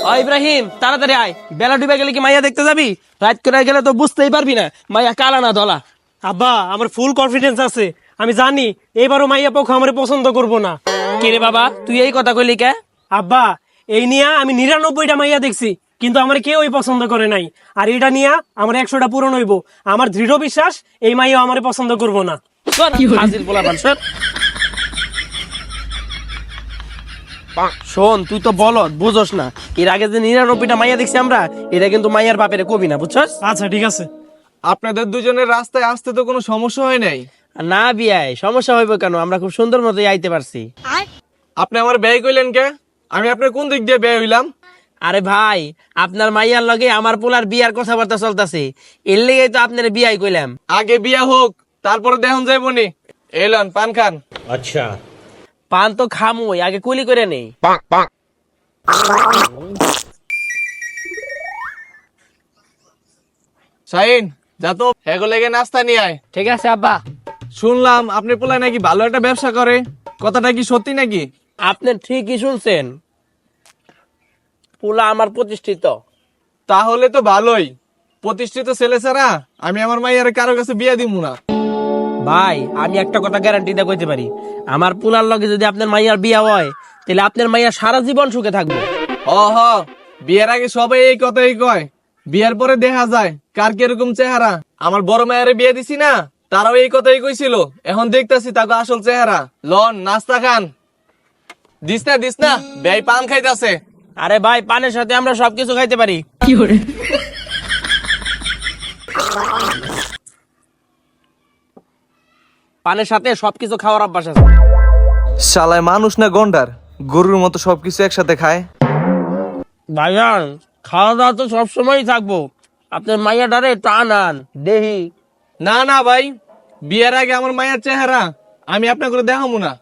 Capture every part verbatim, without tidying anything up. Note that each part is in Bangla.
ও ইব্রাহিম তাড়াতাড়ি আয়, বেলা ডুবে গেলে কি মাইয়া দেখতে যাবি? রাত করে গেলে তো বুঝতেই পারবি না মাইয়া কালা না ধলা। আব্বা আমার ফুল কনফিডেন্স আছে, আমি জানি এইবারও মাইয়া পক্ষ আমার পছন্দ করব না। কিরে বাবা তুই এই কথা কইলি কে? আব্বা এই নিয়ে আমি নিরানব্বইটা মাইয়া দেখছি, কিন্তু আমার কেউই পছন্দ করে নাই। আর এটা নিয়ে আমার একশোটা পূরণ হইব। আমার দৃঢ় বিশ্বাস এই মাইয়া আমার পছন্দ করব না। হাজির পোলাপান সর। শোন তুই তো বলদ বুঝোস না, এর আগে যে নিরানব্বইটা মাইয়া দেখছি আমরা, এটা কিন্তু মাইয়ার বাপের কবি না, বুঝছস? আচ্ছা ঠিক আছে। আপনাদের দুজনের রাস্তায় আসতে তো কোনো সমস্যা হয় নাই? না বিয়াই সমস্যা হইব কেন, আমরা খুব সুন্দর মতোই আইতে পারছি। আপনি আমার ব্যয় কইলেন কে? আমি আপনার কোন দিক দিয়ে ব্যয় হইলাম? আরে ভাই আপনার মাইয়ার লগে আমার পোলার বিয়ার কথাবার্তা চলতেছে, এর লেগেই তো আপনার বিয়াই কইলাম। আগে বিয়া হোক তারপরে দেখুন যাইবনি। এলন পান খান। अच्छा পান তো খামুই, আগে কুলি করে নেই। শাহিন যা তো হেগো লেগে নাস্তা নিয়ে আয়। ঠিক আছে আব্বা। শুনলাম আপনি পোলায় নাকি ভালো একটা ব্যবসা করে, কথাটা কি সত্যি নাকি? আপনি ঠিকই শুনছেন, পোলা আমার প্রতিষ্ঠিত। তাহলে তো ভালোই। প্রতিষ্ঠিত ছেলে ছাড়া আমি আমার মাইয়ারে কারো কাছে বিয়া দিমু না। ভাই আমি একটা কথা গ্যারান্টি দিয়ে কইতে পারি, আমার পোলার লগে যদি আপনার মাইয়ার বিয়া হয় তাহলে আপনার মাইয়া সারা জীবন সুখে থাকবো। ও হ, বিয়ের আগে সবাই এই কথাই কয়, বিয়ের পরে দেখা যায় কার কিরকম চেহারা। আমার বড় মায়ের বিয়ে দিছি না, তারাও এই কথাই কইছিল। এখন দেখতাছি তাকে আসল চেহারা। লন নাস্তা খান। দিস না দিস না, ব্যয় পান খাইতাছে। আরে ভাই পানের সাথে আমরা সবকিছু খাইতে পারি। পানের সাথে সবকিছু খাওয়ার অভ্যাস আছে। শালায় মানুষ না গন্ডার, গরুর মতো সবকিছু একসাথে খায়। ভাইজান খাওয়া দাওয়া তো সবসময় থাকবো, আপনার মাইয়া ডারে টান আন দেহি। না না ভাই, বিয়ের আগে আমার মায়ের চেহারা আমি আপনার করে দেখাবো না।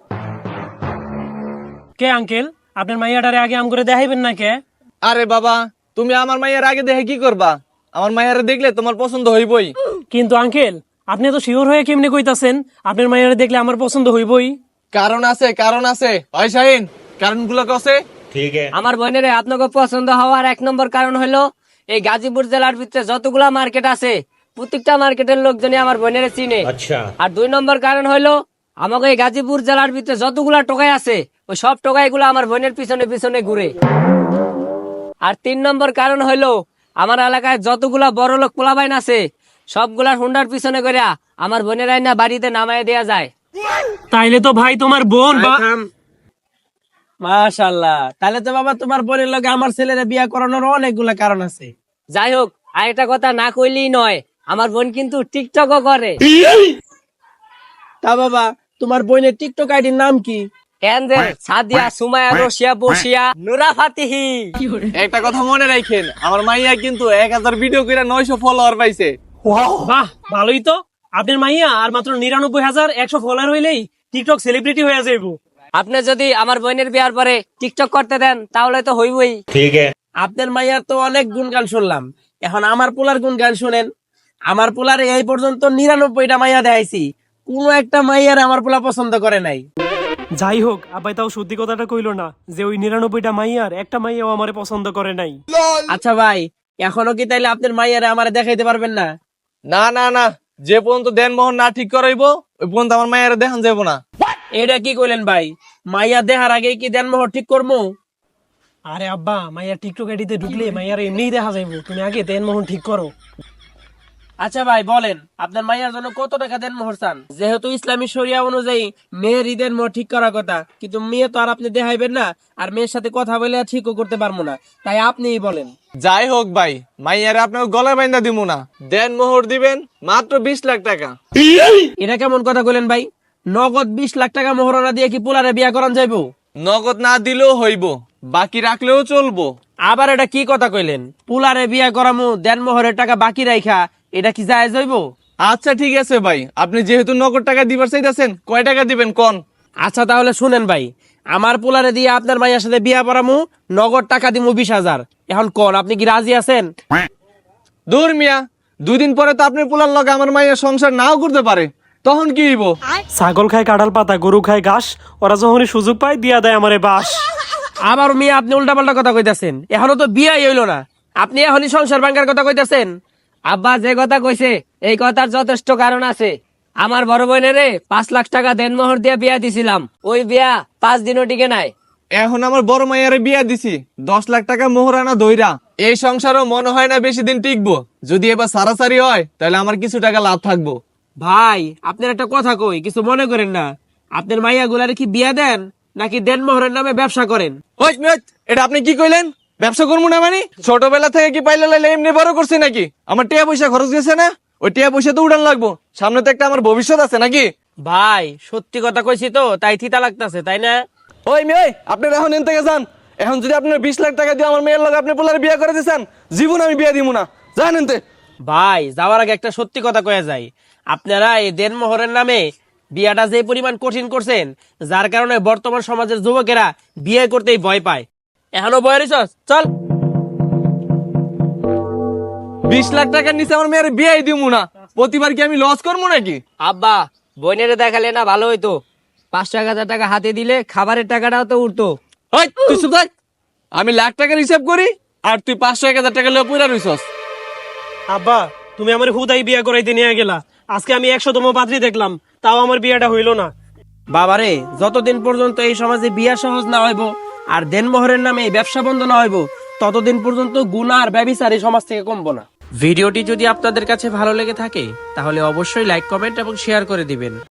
কে আঙ্কেল আপনার মাইয়াটারে আগে আম করে দেখাইবেন না কে? আরে বাবা, তুমি আমার মায়ের আগে দেখে কি করবা? আমার মায়ের দেখলে তোমার পছন্দ হইবই। কিন্তু আঙ্কেল আপনি তো শিওর হয়ে কেমনে কইতাছেন আপনার মাইয়ারে দেখলে আমার পছন্দ হইবই? কারণ আছে কারণ আছে। হয় শাহিন, কারণগুলো কসে? ठीक है আমার বোনের আপনাকে পছন্দ হওয়ার এক নম্বর কারণ হলো এই গাজীপুর জেলার ভিতরে যতগুলা মার্কেট আছে প্রত্যেকটা মার্কেটের লোকজনই আমার বোনের চিনে। अच्छा আর দুই নম্বর কারণ হলো আমাকে এই গাজীপুর জেলার ভিতরে যতগুলা টোকাই আছে ওই সব টোকাইগুলো আমার বোনের পিছনে পিছনে ঘুরে। আর তিন নম্বর কারণ হলো আমার এলাকায় যতগুলা বড় লোক পোলাবাইন আছে সবগুলা হুন্ডার পিছনে করে আমার বোনের আইনা বাড়িতে নামায় দেয়া যায়। তাইলে তো ভাই তোমার বোন বা মাশাআল্লাহ, তাহলে তো বাবা তোমার বোনের লগে আমার ছেলের বিয়া করানোর অনেকগুলা কারণ আছে। যাই হোক আর একটা কথা না কইলেই নয়, আমার বোন কিন্তু টিকটকও করে। তা বাবা তোমার বোনের টিকটক আইডির নাম কি? কেন্দ্রের সাদিয়া সুমায়া রশিয়া বসিয়া নুরা ফাতিহি। একটা কথা মনে রাখেন, আমার মাইয়া কিন্তু এক হাজার ভিডিও করে নয়শো ফলোয়ার পাইছে। বাহ ভালোই তো, আপনার মাইয়া আর মাত্র নিরানব্বই হাজার একশো ফলোয়ার হইলেই টিকটক সেলিব্রিটি হয়ে যাইব। আপনি যদি আমার বোনের বিয়ার পরে টিকটক করতে দেন তাহলে তো হইবই। ठीक है আপনার মাইয়ার তো অনেক গুণগান শুনলাম, এখন আমার পোলার গুণগান শুনেন। আমার পোলার এই পর্যন্ত নিরানব্বইটা মাইয়া দেখাইছি, কোনো একটা মাইয়ার আমার পোলা পছন্দ করে নাই। যাই হোক আব্বাই তাও সত্যি কথাটা কইলো না যে ওই নিরানব্বইটা মাইয়ার একটা মাইয়াও আমারে পছন্দ করে নাই। আচ্ছা ভাই এখনো কি তাইলে আপনার মাইয়ারে আমারে দেখাইতে পারবেন না? না না না, যে পর্যন্ত দেনমোহন না ঠিক করাইব ওই পর্যন্ত আমার মায়ের দেখান যাব না। এটা কি কইলেন ভাই, মাইয়া দেখার আগে কি দেনমোহর ঠিক করবো? আরে আব্বা মাইয়ার টিকটক আইডিতে ঢুকলে মাইয়ার এমনিই দেখা যাইব, তুমি আগে দেনমোহন ঠিক করো। আচ্ছা ভাই বলেন আপনার মাইয়ার জন্য কত টাকা দেনমোহর চান? যেহেতু ইসলামী শরিয়া অনুযায়ী মেয়ের ঈদের মোহর ঠিক করার কথা, কিন্তু মেয়ে তো আর আপনি দেখাইবেন না, আর মেয়ের সাথে কথা বলে আর ঠিকও করতে পারবো না, তাই আপনিই বলেন। যাই হোক ভাই, মাইয়ারে আপনাকে গলায় বাইন্দা দিব না, দেনমোহর দিবেন মাত্র বিশ লাখ টাকা। এটা কেমন কথা কইলেন ভাই? নগদ বিশ লাখ টাকা মোহরানা দিয়ে কি পোলারে বিয়া করান যাইবো? নগদ না দিলেও হইব, বাকি রাখলেও চলবো। আবার এটা কি কথা কইলেন? পোলারে বিয়া করামু দেনমোহরের টাকা বাকি রাইখা, এটা কি জায়েজ হইব? আচ্ছা ঠিক আছে ভাই, আপনি যেহেতু নগদ টাকা দিবার চাইতেছেন, কয় টাকা দিবেন কোন? আচ্ছা তাহলে শুনেন ভাই, আমার পোলারে দিয়ে আপনার মাইয়ার সাথে বিয়া পড়ামু, নগদ টাকা দিমু বিশ হাজার। এখন কোন আপনি কি রাজি আছেন? দূর মিয়া, দুই দিন পরে তো আপনার পোলার লগে আমার মাইয়া সংসার নাও করতে পারে, তখন কি হইব? ছাগল খায় কাঁঠাল পাতা, গরু খায় ঘাস, ওরা যখনই সুযোগ পায় দিয়া দেয় আমারে বাস। আবার মেয়ে আপনি উল্টাপাল্টা কথা কইতাছেন, এখনো তো বিয়াই হইলো না, আপনি এখনই সংসার ভাঙ্গার কথা কইতাছেন। আব্বা যে কথা কইছে এই কথার যথেষ্ট কারণ আছে। আমার বড় বোনের পাঁচ লাখ টাকা দেনমোহর দিয়ে বিয়া দিছিলাম, ওই বিয়া পাঁচ দিনও টিকে নাই। এখন আমার বড় মাইয়ারে বিয়া দিছি দশ লাখ টাকা মোহরানা দইরা। এই সংসারও মনে হয় না বেশি দিন টিকবো। যদি এবার সারাসারি হয় তাহলে আমার কিছু টাকা লাভ থাকবো। ভাই আপনার একটা কথা কই, কিছু মনে করেন না, আপনার মাইয়া গুলারে কি বিয়া দেন নাকি দেনমোহরের নামে ব্যবসা করেন? ওই মিয়া, এটা আপনি কি কইলেন? ব্যবসা করবো না মানে? ছোটবেলা থেকে কি পাইলে লাইলে এমনি বড় করছি নাকি? আমার টিয়া পয়সা খরচ গেছে না, ওই টিয়া পয়সা তো উড়ান লাগবো। সামনে তো একটা আমার ভবিষ্যৎ আছে নাকি? ভাই সত্যি কথা কইছি তো, তাই থিতা লাগতাছে, তাই না? ওই মেয়ে, আপনি এখন এন থেকে যান। এখন যদি আপনার বিশ লাখ টাকা দিয়ে আমার মেয়ের লগে আপনি পোলার বিয়ে করে দিয়েছেন, জীবন আমি বিয়ে দিব না, জান এনতে। ভাই যাওয়ার আগে একটা সত্যি কথা কয়ে যায়, আপনারা এই দেনমোহরের নামে বিয়াটা যে পরিমাণ কঠিন করছেন, যার কারণে বর্তমান সমাজের যুবকেরা বিয়ে করতেই ভয় পায়। এখনো ভয় রইছস? চল। বিশ লাখ টাকার নিচে আমার মেয়ের বিয়ে দিব না, প্রতিবার কি আমি লস করবো নাকি? আব্বা বোনের দেখালে না ভালো হইতো, পাঁচশো এক হাজার টাকা হাতে দিলে খাবারের টাকাটাও তো উঠতো। ওই তুই চুপ থাক। আমি লাখ টাকার হিসাব করি আর তুই পাঁচশো এক হাজার টাকা লয়ে পুরা রইছস। আব্বা তুমি আমার হুদাই বিয়া করাইতে নিয়ে গেলা, আজকে আমি একশোতম পাত্রী দেখলাম, তাও আমার বিয়েটা হইল না। বাবারে, যতদিন পর্যন্ত এই সমাজে বিয়া সহজ না হইব আর দেনমোহরের নামে এই ব্যবসা বন্ধ না হইব, ততদিন পর্যন্ত গুনাহ আর ব্যভিচার এই সমাজ থেকে কমবো না। ভিডিওটি যদি আপনাদের কাছে ভালো লেগে থাকে তাহলে অবশ্যই লাইক, কমেন্ট এবং শেয়ার করে দিবেন।